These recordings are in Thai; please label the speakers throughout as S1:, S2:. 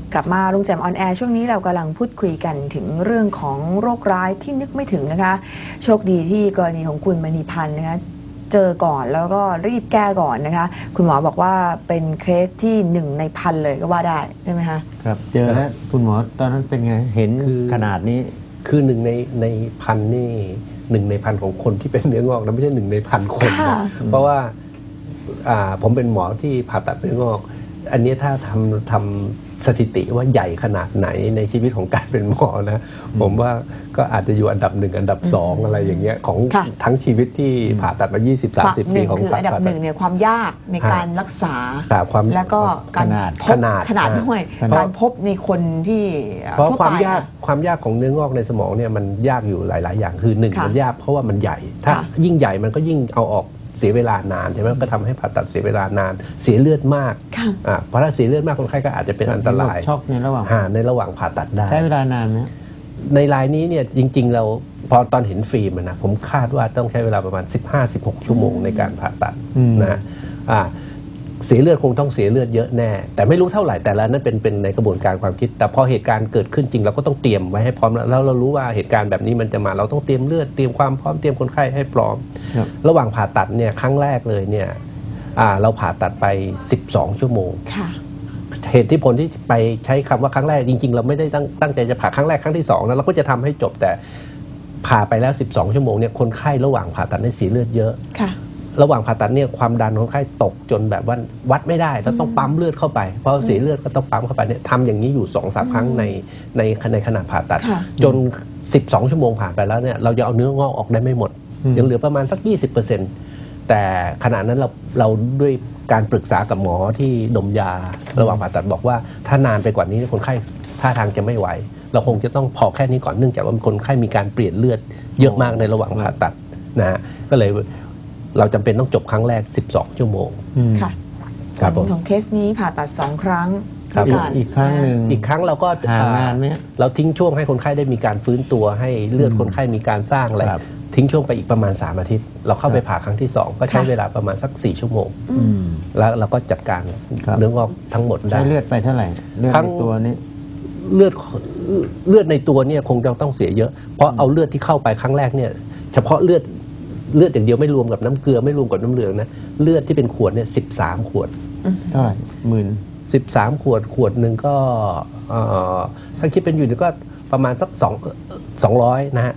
S1: กลับมาลุงแจ่มออนแอร์ช่วงนี้เรากำลังพูดคุยกันถึงเรื่องของโรคร้ายที่นึกไม่ถึงนะคะโชคดีที่กรณีของคุณมณีพันธ์นะคะเจอก่อนแล้วก็รีบแก้ก่อนนะคะคุณหมอบอกว่าเป็นเคสที่1 ใน 1,000เลยก็ว่าได้ใช่ไหมคะ
S2: ครับเจอแล้วคุณหมอตอนนั้นเป็นไงเห็นขนาดนี้
S3: คือ1 ใน 1,000นี่1 ใน 1,000ของคนที่เป็นเนื้องอกนะไม่ใช่1 ใน 1,000 คนนะเพราะว่าผมเป็นหมอที่ผ่าตัดเนื้องอกอันนี้ถ้าทำสถิติว่าใหญ่ขนาดไหนในชีวิตของการเป็นหมอนะผมว่าก็อาจจะอยู่อันดับ1 อันดับ2อะไรอย่างเงี้ยของทั้งชีวิตที่ผ่าตัดมา 20-30 ปีของ
S1: คืออันดับ1เนี่ยความยากในการรักษาแล้วก็การขนาดด้วยการพบในคนที่
S3: เพราะความยากของเนื้องอกในสมองเนี่ยมันยากอยู่หลายๆอย่างคือ1มันยากเพราะว่ามันใหญ่ถ้ายิ่งใหญ่มันก็ยิ่งเอาออกเสียเวลานานใช่ไหมก็ทำให้ผ่าตัดเสียเวลานานเสียเลือดมากเพราะถ้าเสียเลือดมากคนไข้ก็อาจจะเป็นอันตราย
S2: ช็อกในระหว่าง
S3: ผ่าตัดได้
S2: ใช้เวลานานไหม
S3: ในรายนี้เนี่ยจริงๆเราพอตอนเห็นฟิล์มนะผมคาดว่าต้องใช้เวลาประมาณ 15-16 ชั่วโมงในการผ่าตัดนะเสียเลือดคงต้องเสียเลือดเยอะแน่แต่ไม่รู้เท่าไหร่แต่ละนั้นเป็นในกระบวนการความคิดแต่พอเหตุการณ์เกิดขึ้นจริงเราก็ต้องเตรียมไว้ให้พร้อมแล้วเรารู้ว่าเหตุการณ์แบบนี้มันจะมาเราต้องเตรียมเลือดเตรียมความพร้อมเตรียมคนไข้ให้พร้อมระหว่างผ่าตัดเนี่ยครั้งแรกเลยเนี่ยเราผ่าตัดไป12 ชั่วโมงเหตุที่ผลที่ไปใช้คำว่าครั้งแรกจริงๆเราไม่ได้ตั้งใจจะผ่าครั้งแรกครั้งที่2นะเราก็จะทำให้จบแต่ผ่าไปแล้ว12 ชั่วโมงเนี่ยคนไข้ระหว่างผ่าตัดได้เสียเลือดเยอะระหว่างผ่าตัดเนี่ยความดันคนไข้ตกจนแบบว่าวัดไม่ได้แล้วต้องปั๊มเลือดเข้าไปเพราะเสียเลือดก็ต้องปั๊มเข้าไปเนี่ยทำอย่างนี้อยู่ 2-3 ครั้งในขณะผ่าตัดจน12 ชั่วโมงผ่านไปแล้วเนี่ยเราจะเอาเนื้องอกออกได้ไม่หมดยังเหลือประมาณสัก 20%แต่ขณะนั้นเราด้วยการปรึกษากับหมอที่ดมยาระหว่างผ่าตัดบอกว่าถ้านานไปกว่านี้คนไข้ท่าทางจะไม่ไหวเราคงจะต้องพอแค่นี้ก่อนเนื่องจากว่าคนไข้มีการเปลี่ยนเลือดเยอะมากในระหว่างผ่าตัดนะฮะก็เลยเราจำเป็นต้องจบครั้งแรก12 ชั่วโมง
S1: ค่ะครับของเคสนี้ผ่าตัด2 ครั้ง
S2: อีกครั้งหนึ่ง
S3: อีกครั้งเราก็
S2: นานไหม
S3: เราทิ้งช่วงให้คนไข้ได้มีการฟื้นตัวให้เลือดคนไข้มีการสร้างอะไรทิ้งช่วงไปอีกประมาณ3 อาทิตย์เราเข้าไปผ่าครั้งที่2ก็ใช้เวลาประมาณสัก4 ชั่วโมงแล้วเราก็จัดการเนื้องอกทั้งหมดได้
S2: ใช้เลือดไปเท่าไหร่เลือดในตัวนี้
S3: เลือดในตัวเนี่ยคงจะต้องเสียเยอะเพราะเอาเลือดที่เข้าไปครั้งแรกเนี่ยเฉพาะเลือดอย่างเดียวไม่รวมกับน้ำเกลือไม่รวมกับน้ำเหลืองนะเลือดที่เป็นขวดเนี่ย13 ขวด
S2: เท่าไหร่
S3: 13 ขวดหนึ่งก็ถ้าคิดเป็นอยู่นี่ก็ประมาณสัก200นะฮะ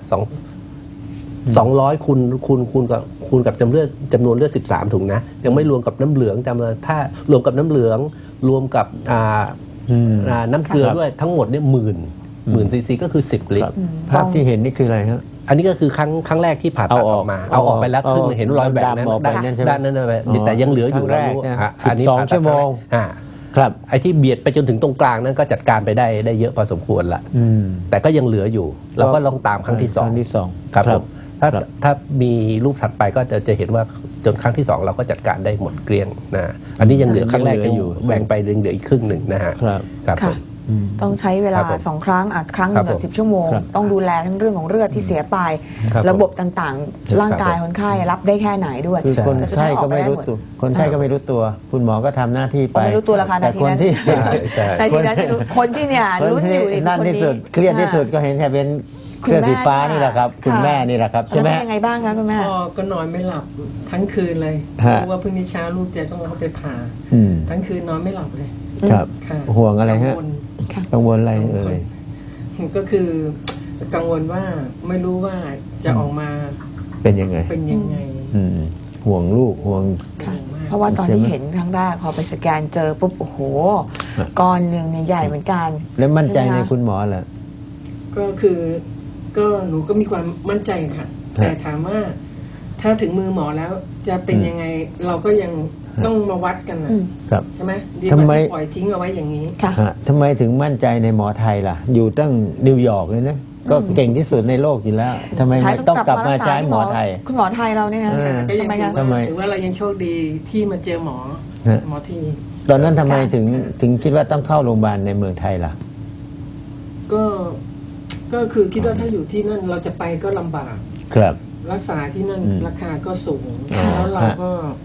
S3: 200คูณกับจำนวนเลือด13 ถุงนะยังไม่รวมกับน้ำเหลืองถ้ารวมกับน้ำเหลืองรวมกับน้ำเกลือด้วยทั้งหมดเนี่ย10,000 ซีซีก็คือ10 ลิตร
S2: ภาพที่เห็นนี่คืออะไรฮะ
S3: อันนี้ก็คือครั้งแรกที่ผ่าตัดออกมาเอาออกไปแล้วครึ่งเห็นรอยแบบนั้นด้านนั้นแต่ยังเหลืออยู่
S2: แล้วอันนี้12 ชั่วโมงครับ
S3: ไอ้ที่เบียดไปจนถึงตรงกลางนั้นก็จัดการไปได้เยอะพอสมควรละแต่ก็ยังเหลืออยู่เราก็ลองตามครั้งที่2ครับผมถ้ามีรูปถัดไปก็จะเห็นว่าจนครั้งที่2เราก็จัดการได้หมดเกลี้ยงนะอันนี้ยังเหลือครั้งแรกอยู่แบ่งไปเหลืออีกครึ่งหนึ่งนะฮะ
S1: ครับต้องใช้เวลา2 ครั้งครั้งละ10 ชั่วโมงต้องดูแลทั้งเรื่องของเลือดที่เสียไประบบต่างๆร่างกายคนไข้รับได้แค่ไหนด้วย
S2: คนไข้ก็ไม่รู้ตัวคุณหมอก็ทำหน้าที่ไป
S1: ไม่รู้ตัวราคาแต่คนที่คนที่เนี่ยลุ้นอยู่
S2: นั่นที่สุดเครียดที่สุดก็เห็นแค่เป็นเสื้อสีฟ้านี่แหละครับคุณแม่นี่แหละครับใช่ไหม
S1: ยังไงบ้างคะคุณแม่
S4: ก็นอนไม่หลับทั้งคืนเลยเพราะว่าพรุ่งนี้เช้าลูกจะต้องเข้าไปผ่าทั้งคืนนอนไม่หลับเลย
S2: ครับห่วงอะไรฮะกังวลอะไร
S4: ก็คือกังวลว่าไม่รู้ว่าจะออกมา
S2: เป็นยังไงห่วงลูกห่วง
S1: เพราะว่าตอนที่เห็นครั้งแรกพอไปสแกนเจอปุ๊บโอ้โหก้อนหนึ่งเนี่ยใหญ่เหมือนกัน
S2: แล้วมั่นใจในคุณหมอเหรอ
S4: ก็คือก็หนูก็มีความมั่นใจค่ะแต่ถามว่าถ้าถึงมือหมอแล้วจะเป็นยังไงเราก็ยังต้องมาวัดกัน
S2: นะครับ
S4: ใช่ไหมดีกว่าปล่อยทิ้งเอาไว้อย่างนี้
S2: ทำไมถึงมั่นใจในหมอไทยล่ะอยู่ตั้งนิวยอร์กเลยนะก็เก่งที่สุดในโลกอยู่แล้วทำไมต้องกลับมาใช้หมอไทย
S1: คุณหมอไทยเราเนี่ยนะ
S4: ก็ยังถือว่าเรายังโชคดีที่มาเจอหมอที่
S2: ตอนนั้นทำไมถึงคิดว่าต้องเข้าโรงพยาบาลในเมืองไทยล่ะ
S4: ก็คือคิดว่าถ้าอยู่ที่นั่นเราจะไปก็ลำบาก
S2: ครับ
S4: รักษาที่นั่นราคาก็สูงแล้วเราก็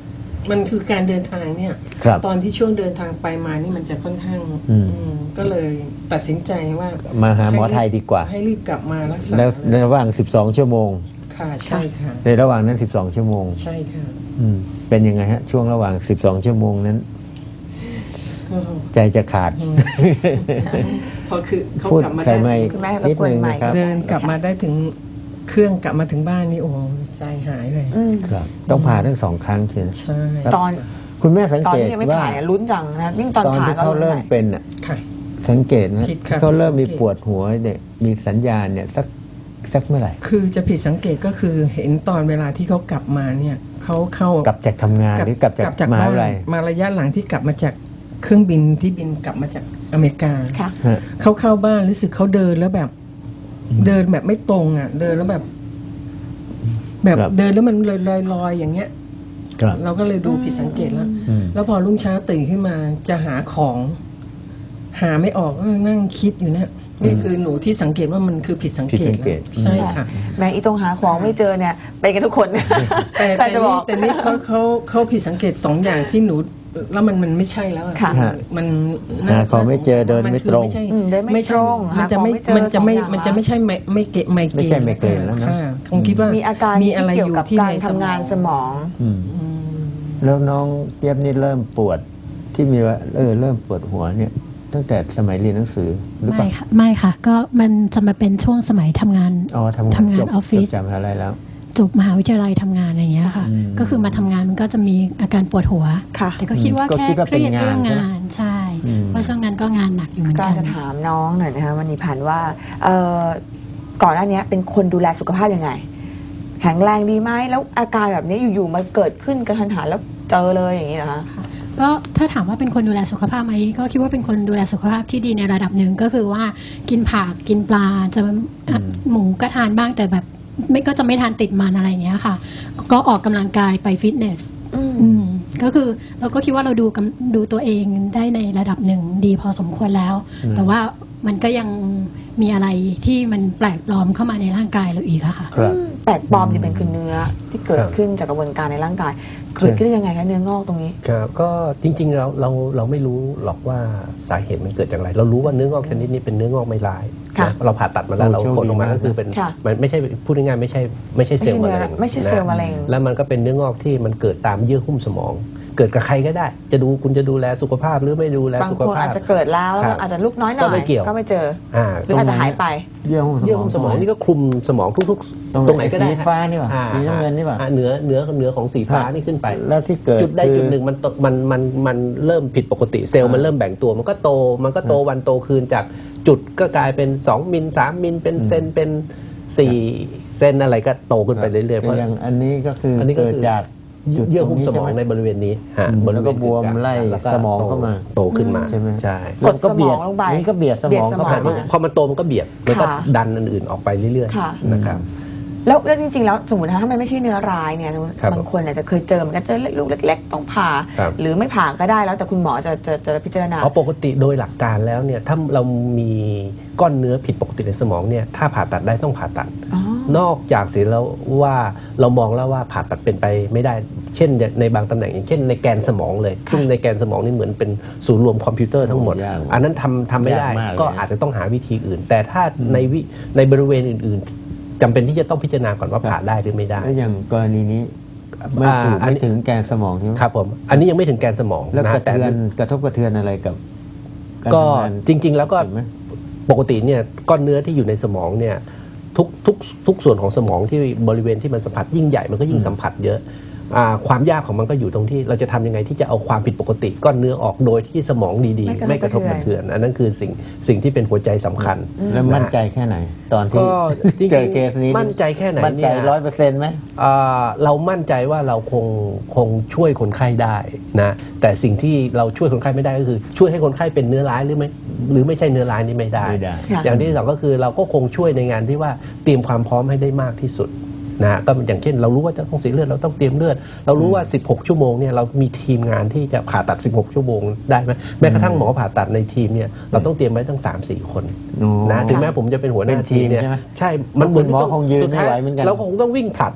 S4: มันคือการเดินทางเนี่ย
S2: ครับ
S4: ตอนที่ช่วงเดินทางไปมานี่มันจะค่อนข้าง
S2: อืม
S4: ก็เลยตัดสินใจว่า
S2: มาหาหมอไทยดีกว่า
S4: ให้รีบกลับมารักษา
S2: แล้วในระหว่าง 12 ชั่วโมง
S4: ค่ะใช่ค่ะ
S2: ในระหว่างนั้น 12 ชั่วโมง
S4: ใช่ค่ะ
S2: เป็นยังไงฮะ ช่วงระหว่าง 12 ชั่วโมงนั้น
S4: ก็
S2: ใจจะขาด
S4: พอคือเขา
S2: พูด
S4: กลับมา
S2: ใส่
S4: ได้
S2: ไมค์
S1: คุณแม่รบ
S2: นิด
S1: กวน
S2: นึง
S1: ไม
S2: นะ
S1: ค์
S2: ครับ
S4: เดินกลับมาได้ถึงเครื่องกลับมาถึงบ้านนี่โอ้ใจหายเลย
S1: อืม
S2: ครับ ต้องผ่าทั้ง 2 ครั้งเชียว
S4: ใช่
S1: ตอน
S2: คุณแม่สัง
S1: ตอน
S2: เกต
S1: ที่ยังไม่
S2: ว่า
S1: ผ่าเนี่ยลุ้นจังนะยิ่งตอน
S2: ตอน
S1: ผ่า
S2: ที่
S1: ก็
S2: เขา
S1: ลุ้น
S2: เริ่ม
S1: ใหญ่
S2: เป็นอ่ะ
S4: ค่ะ
S2: สังเกตนะ
S4: ผิดค่ะ
S2: เขาเริ่มมี
S4: ผิดสังเกต
S2: ปวดหัวเนี่ยมีสัญญาณเนี่ยสักเมื่อไหร่
S4: คือจะผิดสังเกตก็คือเห็นตอนเวลาที่เขากลับมาเนี่ยเขาเข้าก
S2: ลับจากทำงานหรือกลับจากมหา
S4: บ้าน
S2: วิทยาลัย
S4: มาระยะหลังที่กลับมาจากเครื่องบินที่บินกลับมาจากอเมริกา
S1: ค่ะ
S2: ฮะ
S4: เขาเข้าบ้านรู้สึกเขาเดินแล้วแบบ เดินแบบไม่ตรงอ่ะ เดินแล้วแบบ
S2: ครับ
S4: เดินแล้วมันลอยๆอย่างเงี้ย
S2: ครับ
S4: เราก็เลยดูผิดสังเกตแล้ว
S2: อืม
S4: แล้วพอรุ่งเช้าตื่นขึ้นมาจะหาของ หาไม่ออกก็นั่งคิดอยู่เนี่ยนี่คือหนูที่สังเกตว่ามันคือผิดสังเกต
S2: ผิดสังเกต
S4: แล้วใช่ค่ะ
S1: แม่อีตรงหาของไม่เจอเนี่ยเป็นกันทุกคน
S4: แต่
S1: ใครจะบอก
S4: แต่นี่เขาผิดสังเกต2 อย่างที่หนูแล้วมันไม่ใช่แล้วอะ
S1: ค่ะ
S4: มัน
S2: หาของไม่เจอเดินไม่ตรง
S4: นคือ
S1: เดินไม่ตรง
S4: มันจะไม่
S1: หาของไม่เจอ
S4: มันจะไม่
S1: สองอย่าง
S4: มันจะไม่ใช่ไม่เกะไม่เก
S2: ไม่ใช่ไมเกรนแล้วนะ
S4: ค่ะคงคิดว่า
S1: มีอาการ
S4: มีอะไร
S1: ที่
S4: อ
S1: เกี่ยว
S4: ยู่
S1: กับ
S4: ที่
S1: การ
S4: ใน
S1: ทำงานสมอง
S2: อืมแล้วน้องเจี๊ยบนี่เริ่มปวดที่มีว่าเริ่มปวดหัวเนี่ย ตั้งแต่สมัยเรียนหนังสือหรือเป
S5: ไม่
S2: ล่า
S5: ค่ะไม่ค่ะ ก็มันจะมาเป็นช่วงสมัยทำงาน
S2: อ๋อทำงาน
S5: ทำงาน
S2: จบ
S5: ออฟฟิศ
S2: จบจากมหาลัยแล้ว
S5: จบมหาวิทยาลัยทำงานอะไรอย่างเงี้ยค่ะ
S2: อืม
S5: ก็คือมาทำงานมันก็จะมีอาการปวดหัว
S1: ค่ะ
S5: แต่ก็คิดว่า
S2: ก็
S5: แค่
S2: คิดว่า
S5: เครียด
S2: เป็นงาน
S5: เรื่อง
S2: ใช่ไหม
S5: งานใช่
S2: อืม
S5: เพราะช่วงนั้นก็งานหนักอยู่เหมือน
S1: ก็
S5: กัน
S1: จะถามน้องหน่อยนะคะวันนี้ผ่านว่าก่อนหน้านี้เป็นคนดูแลสุขภาพยังไง แข็งแรงดีไหมแล้วอาการแบบนี้อยู่ๆมาเกิดขึ้นกระทันหันแล้วเจอเลยอย่างนี้นะคะ
S5: ก็ถ้าถามว่าเป็นคนดูแลสุขภาพไหมก็คิดว่าเป็นคนดูแลสุขภาพที่ดีในระดับหนึ่งก็คือว่ากินผักกินปลาจะหมูก็ทานบ้างแต่แบบไม่ก็จะไม่ทานติดมันอะไรอย่างเงี้ยค่ะ ก็ออกกำลังกายไปฟิตเนส ก็คือเราก็คิดว่าเราดูตัวเองได้ในระดับหนึ่งดีพอสมควรแล้ว แต่ว่ามันก็ยังมีอะไรที่มันแปลกปลอมเข้ามาในร่างกายเราอีกอะค่ะ
S2: ครับ
S1: แปลกปลอมที่เป็นคือเนื้อที่เกิดขึ้นจากกระบวนการในร่างกาย เกิดขึ้นได้ยังไงคะเนื้องอกตรงนี้
S3: ครับก็จริงๆเราไม่รู้หรอกว่าสาเหตุมันเกิดจากอะไร เรารู้ว่าเนื้องอกชนิดนี้เป็นเนื้องอกไม่ร้าย
S1: ค่ะ
S3: นะเราผ่าตัดมาแล้ว
S2: โอ้
S3: เรา
S2: โชค
S3: ผลออกมา
S2: ดีมาก
S3: ก็คือเป็น
S1: ค่ะ
S3: มันไม่ใช่พูดง่ายๆไม่ใช่เซลล์มะเร็ง
S1: ไม่ใช่เซลล์มะเร็ง
S3: แล้วมันก็เป็นเนื้องอกที่มันเกิดตามเยื่อหุ้มสมอง เกิดกับใครก็ได้ คุณจะดูแลสุขภาพหรือไม่ดูแล
S1: บาง
S3: สุข
S1: คน
S3: ภาพ
S1: อาจจะเกิดแล้ว
S3: ครับ
S1: อาจจะลุกน้อยหน่
S3: ก็
S1: อย
S3: ไม่เกี่ยว
S1: ก็ไม่เจอ
S3: อ่า
S1: หรืออาจจะหายไป
S2: เยื่อหุ้มสมอง
S3: เยื่อหุ้มสมองนี่ก็คลุมสมองทุกๆ ตรงไหนก็ได้
S2: สีฟ้านี่หว่า
S3: อ่
S2: สีน้ำเงินนี่หว่า
S3: เหนือของสีฟ้านี่ขึ้นไป
S2: แล้วที่เกิด
S3: จุดใด
S2: คือ
S3: จุดหนึ่งมันเริ่มผิดปกติเซลล์มันเริ่มแบ่งตัวมันก็โตวันโตคืนจากจุดก็กลายเป็น2มิล3มิลเป็นเซนเป็น4เซนอะไรก็โตขึ้นไปเรื่อยๆเพราะ
S2: อย่างอันนี้ก็คืออน
S3: นี้ก็
S2: เกิด
S3: คือ
S2: จากจุด
S3: เยื่อหุ้มสมอง
S2: ตร
S3: ใน
S2: นี้ใช่ไห
S3: บริเวณนี้ฮะ
S2: อืม
S3: บริเวณ
S2: แล้วก็บวมไล่
S3: แล้วก็
S2: สมองเข้ามา
S3: โตขึ้นมา
S2: ใช่ไหม
S3: ใช่
S1: กด
S2: ก็เบียด
S1: สมองลงไป
S2: มันก็เบียดสมองเข้าไป
S1: เบียดสมอง
S3: พอมันโตมันก็เบียดมันก็
S1: ค่ะ
S3: ดันอันอื่นออกไปเรื่อย
S1: ค่ะ
S3: ๆนะครับ
S1: แล้วจริงๆแล้วสมมติถ้ามันไม่ใช่เนื้อร้ายเนี่ย
S3: ครับ
S1: บางคนอาจจะเคยเจอเหมือนกันเจอลูกเล็ก ๆ ต้องผ่า
S3: ครับ
S1: หรือไม่ผ่าก็ได้แล้วแต่คุณหมอจะพิจารณา
S3: เพราะปกติโดยหลักการแล้วเนี่ยถ้าเรามีก้อนเนื้อผิดปกติในสมองเนี่ยถ้าผ่าตัดได้ต้องผ่าตัด
S1: อ๋อ
S3: นอกจากเสียแล้วว่าเรามองแล้วว่าผ่าตัดเป็นไปไม่ได้ เช่นในบางตำแหน่งอย่างเช่นในแกนสมองเลยซึ่งในแกนสมองนี่เหมือนเป็นศูนย์รวมคอมพิวเตอร์ทั้งหมด
S2: ยาก
S3: อันนั้นทำไม่ได้
S2: ยากมากเลย
S3: ก็อาจจะต้องหาวิธีอื่น แต่ถ้าในบริเวณอื่นๆจำเป็นที่จะต้องพิจารณาก่อนว่าผ่าได้หรือไม่ได้
S2: แล้วอย่างกรณีนี้ไม่ถึงแกนสมองใช่ไหม
S3: ครับผมอันนี้ยังไม่ถึงแกนสมอง
S2: แล้ว
S3: นะ
S2: กระ
S3: แต่
S2: ทบกระเทือนอะไรกับาร
S3: ก็
S2: ทำงาน
S3: จริง ๆ แล้วก็
S2: เห็นไหม
S3: ปกติเนี่ยก้อนเนื้อที่อยู่ในสมองเนี่ยทุกส่วนของสมองที่บริเวณที่มันสัมผัสยิ่งใหญ่มันก็ยิ่งสัมผัสเยอะความยากของมันก็อยู่ตรงที่เราจะทำยังไงที่จะเอาความผิดปกติก้อนเนื้อออกโดยที่สมองดีๆ
S1: ไม่
S3: ไม่
S1: ก
S3: ก
S1: ระ
S3: ระ
S1: ท
S3: ท
S1: บบ ก
S3: ก
S1: ระ
S3: ระ
S1: เทื
S3: เทื
S1: อ
S3: อน นอันนั้นคือสิ่งที่เป็นหัวใจสำคัญ
S2: แล้วมั่นใจแค่ไหน ตอนที่
S3: ก็จริงๆ
S2: เจอเคสนี้
S3: มั่นใจแค่ไหน
S2: มั่นใจ
S3: เนี่ย
S2: 100%ไหม
S3: เรามั่นใจว่าเราคงช่วยคนไข้ได้นะแต่สิ่งที่เราช่วยคนไข้ไม่ได้ก็คือช่วยให้คนไข้เป็นเนื้อร้ายหรือไม่ใช่เนื้อร้ายนี่ไม่ได้
S2: ไม่ได้
S1: ค่ะ
S3: อย่างที่สองก็คือเราก็คงช่วยในงานที่ว่าเตรียมความพร้อมให้ได้มากที่สุดนะก็อย่างเช่นเรารู้ว่าจะต้องเสียเลือดเราต้องเตรียมเลือด เรารู้ว่า 16 ชั่วโมงเนี่ยเรามีทีมงานที่จะผ่าตัด 16 ชั่วโมงได้ไหมแม้กระทั่งหมอผ่าตัดในทีมเนี่ยเราต้องเตรียมไว้ตั้ง 3-4 คน
S2: อ๋อ
S3: นะถึงแม้ผมจะเป็นหัวหน้า
S2: เป็นทีม
S3: เนี่ย
S2: ใช่ไหม
S3: ใช่มันเหมือน
S2: คุณหมอคงยืนไม่ไหวเหมือนกัน
S3: เราคงต้องวิ่งผลัดอ่ะ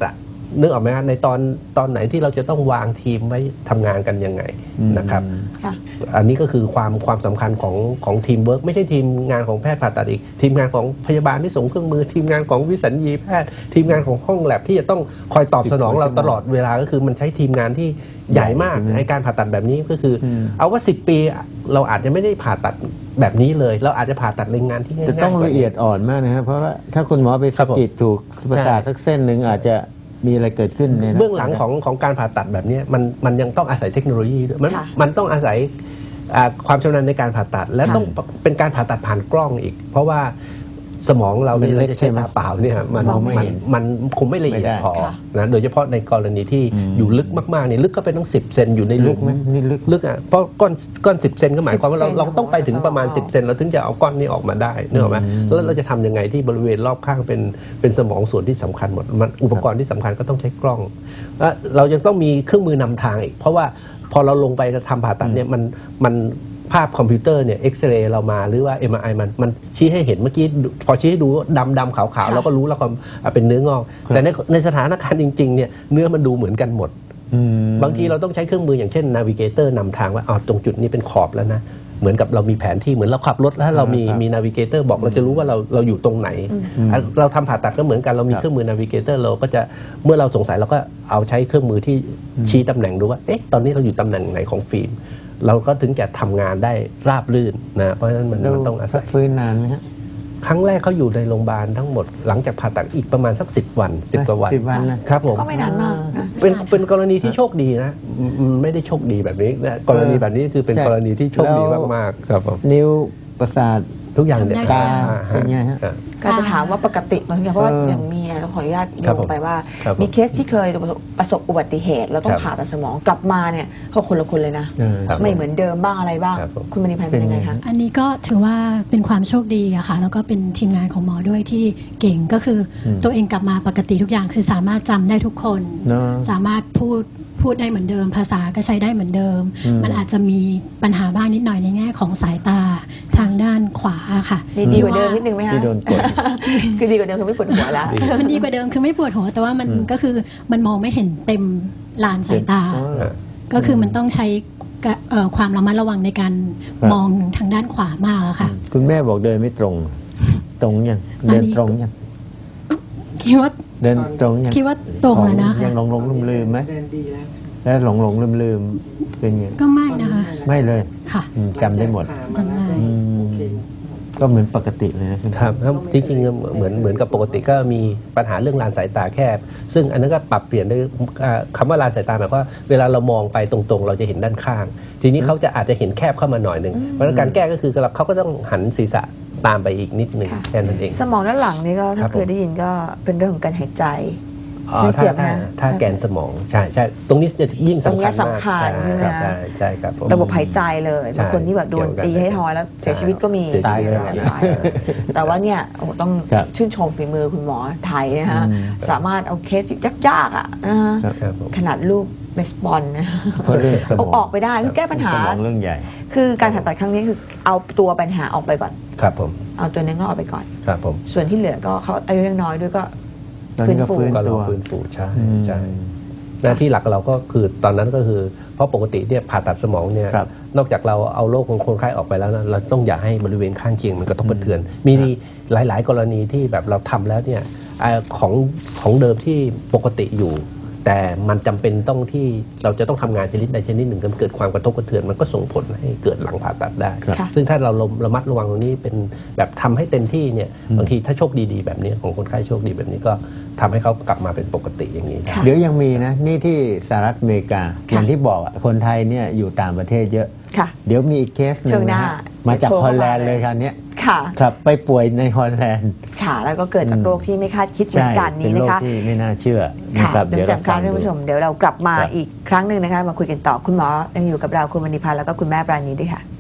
S3: นึกออกไหมฮะในตอนไหนที่เราจะต้องวางทีมไว้ทำงานกันยังไงนะครับ
S1: ค่ะ
S3: อันนี้ก็คือความสำคัญของทีมเวิร์กไม่ใช่ทีมงานของแพทย์ผ่าตัดอีกทีมงานของพยาบาลที่ส่งเครื่องมือทีมงานของวิสัญญีแพทย์ทีมงานของห้องแลบที่จะต้องคอยตอบสนองเราตลอดเวลาก็คือมันใช้ทีมงานที่ใหญ่มากในการผ่าตัดแบบนี้ก็คือเอาว่า10 ปีเราอาจจะไม่ได้ผ่าตัดแบบนี้เลยเราอาจจะผ่าตัดในงานที่ง่ายๆ
S2: จะต้องละเอียดอ่อนมากนะครับเพราะว่าถ้าคุณหมอไปสะกิดถูกประสาทสักเส้นหนึ่งอาจจะมีอะไรเกิดขึ้นใน
S3: เบื้องหลังของการผ่าตัดแบบนี้มันยังต้องอาศัยเทคโนโลยีด้วยมันต้องอาศัยความชำนาญในการผ่าตัดและต้องเป็นการผ่าตัดผ่านกล้องอีก เพราะว่าสมองเราเนี่ยเราจะใช้ตาเปล่าเนี่ยมันคงไม่ละเอียดพอนะโดยเฉพาะในกรณีที่อยู่ลึกมากๆเนี่ยลึกก็เป็นต้อง10 เซนอยู่ในหลุมลึกอ่ะเพราะก้อน10 เซนก็หมายความว่าเราต้องไปถึงประมาณ10 เซนเราถึงจะเอาก้อนนี้ออกมาได้นึกออกไหมแล้วเราจะทำยังไงที่บริเวณรอบข้างเป็นสมองส่วนที่สำคัญหมดมันอุปกรณ์ที่สำคัญก็ต้องใช้กล้องเรายังต้องมีเครื่องมือนำทางอีกเพราะว่าพอเราลงไปทำผ่าตัดเนี่ยมันภาพคอมพิวเตอร์เนี่ยเอ็กซเรย์เรามาหรือว่า MRI มันชี้ให้เห็นเมื่อกี้พอชี้ให้ดูดำขาวๆเราก็รู้แล้วก็เป็นเนื้องอกแต่ในสถานการณ์จริงๆเนี่ยเนื้อมันดูเหมือนกันหมดบางทีเราต้องใช้เครื่องมืออย่างเช่นนาวิเกเตอร์นำทางว่าตรงจุดนี้เป็นขอบแล้วนะเหมือนกับเรามีแผนที่เหมือนเราขับรถแล้วเรามีนาวิเกเตอร์บอกเราจะรู้ว่าเราอยู่ตรงไหนเราทำผ่าตัดก็เหมือนกันเรามีเครื่องมือนาวิเกเตอร์เราก็จะเมื่อเราสงสัยเราก็เอาใช้เครื่องมือที่ชี้ตำแหน่งดูว่าตอนนี้เราอยู่ตำแหน่งไหนของฟิล์มเราก็ถึงจะทำงานได้ราบรื่นนะเพราะฉะนั้นมันต้องอาศัย
S2: ฟื้นนานไหมฮะ
S3: ครั้งแรกเขาอยู่ในโรงพยาบาลทั้งหมดหลังจากผ่าตัดอีกประมาณสัก10 วัน10 กว่าวัน
S2: 10 วัน
S3: นะครับผม
S1: ก็ไม่นานมากนะ
S3: เป็นกรณีที่โชคดีนะไม่ได้โชคดีแบบนี้นะกรณีแบบนี้คือเป็นกรณีที่โชคดีมากๆครับผม
S2: นิ้วประสาท
S3: ทุกอย่างเนี่ย
S2: ตาเป็นไงฮะ
S1: ก็จะถามว่าปกติบางทีเพราะว่าอย่างมีเราขออนุญาตโยงไปว่ามีเคสที่เคยประสบอุบัติเหตุแล้วต้องผ่าตัดสมองกลับมาเนี่ยเขาคนละคนเลยนะไม่เหมือนเดิมบ้างอะไรบ้างคุณมณีพันธ์เป็นยังไงคะ
S5: อันนี้ก็ถือว่าเป็นความโชคดีอะค่ะแล้วก็เป็นทีมงานของหมอด้วยที่เก่งก็คือตัวเองกลับมาปกติทุกอย่างคือสามารถจำได้ทุกคนสามารถพูดได้เหมือนเดิมภาษาก็ใช้ได้เหมือนเดิมมันอาจจะมีปัญหาบ้างนิดหน่อยในแง่ของสายตาทางด้านขวาค่ะ
S1: ดีกว่าเดิมนิดนึงไหมคะ
S2: ที่โดนกด
S1: คือดีกว่าเดิมคือไม่ปวดหัวแล้ว
S5: มันดีกว่าเดิมคือไม่ปวดหัวแต่ว่ามันก็คือมันมองไม่เห็นเต็มลานสายตาก็คือมันต้องใช้ความระมัดระวังในการมองทางด้านขวามากค่ะ
S2: คุณแม่บอกเดินไม่ตรงยังเดินตรงยัง
S5: คิดว่า
S2: เดินตรงยัง
S5: คิดว่าตรงแล้วนะคะ
S2: ยังหลงลืมไหม
S4: เดินดีแล้ว
S2: แล้วหลงลืมเป็นไง
S5: ก็ไม่นะคะ
S2: ไม่เลย
S5: ค่ะ
S2: จำได้หมด
S5: จำได้
S2: ก็เหมือนปกติเลยนะครับ
S3: จริงๆเหมือนกับปกติก็มีปัญหาเรื่องลานสายตาแคบซึ่งอันนั้นก็ปรับเปลี่ยนด้วยคำว่าลานสายตาหมายความว่าเวลาเรามองไปตรงๆเราจะเห็นด้านข้างทีนี้เขาจะอาจจะเห็นแคบเข้ามาหน่อยนึงเพราะฉะนั้นการแก้ก็คือเขาก็ต้องหันศีรษะตามไปอีกนิดนึงแค่นั้นเอง
S1: สมองด้านหลังนี่ก็ถ้าเคยได้ยินก็เป็นเรื่องของการหายใจ
S3: ถ้าแกนสมองใช่ตรงนี้จะยิ่งสำคัญมาก
S1: สำคัญใช่ไหม
S3: ใช่ครับ
S1: ระบบหายใจเลยบางคนที่แบบโดนตีให้ทอยแล้วเสียชีวิตก็มี
S2: ตายเลย
S1: แต่ว่าเนี่ยต้องชื่นชมฝีมือคุณหมอไทยนะฮะสามารถเอาเคสยากๆอ่ะขนาดลูกเบสบอลนะเอาออกไปได้คือแก้ปัญหา
S2: เรื่องใหญ่
S1: คือการผ่าตัดครั้งนี้คือเอาตัวปัญหาออกไปก่อน
S3: ครับผม
S1: เอาตัวนั้นก็ออกไปก่อน
S3: ครับผม
S1: ส่วนที่เหลือก็เขาอายุยังน้อยด้วยก็
S3: ฟื้นฟูใช่หน้าที่หลักเราก็คือตอนนั้นก็คือเพราะปกติเนี่ยผ่าตัดสมองเนี่ยนอกจากเราเอาโรคของคนไข้ออกไปแล้วนะเราต้องอย่าให้บริเวณข้างเคียงมันกระทบกระเทือนมีหลายๆกรณีที่แบบเราทำแล้วเนี่ยของเดิมที่ปกติอยู่แต่มันจำเป็นต้องที่เราจะต้องทำงานชนิดใดชนิดหนึ่งเกิดความกระทบกระเทือนมันก็ส่งผลให้เกิดหลังผ่าตัดได้ซึ่งถ้าเราระมัดระวังตรงนี้เป็นแบบทำให้เต็มที่เนี่ยบางทีถ้าโชคดีๆแบบนี้ของคนไข้โชคดีแบบนี้ก็ทำให้เขากลับมาเป็นปกติอย่างนี้
S2: เดี๋ยวยังมีนะนี่ที่สหรัฐอเมริกาอย่างที่บอกคนไทยเนี่ยอยู่ต่างประเทศเยอะเดี๋ยวมีอีกเคสหนึ่งนะมาจากฮอลแลนด์เลยคราวนี้ครับไปป่วยในฮอลแลนด์
S1: ค่ะแล้วก็เกิดจากโรคที่ไม่คาดคิดเหมือนกันนี้นะคะ
S2: ที่ไม่น่าเชื่อ
S1: ค่ะเดี๋ยวจำการท่านผู้ชมเดี๋ยวเรากลับมาอีกครั้งหนึ่งนะคะมาคุยกันต่อคุณหมอยังอยู่กับเราคุณมณีพันธ์แล้วก็คุณแม่ปราณีด้วยค่ะ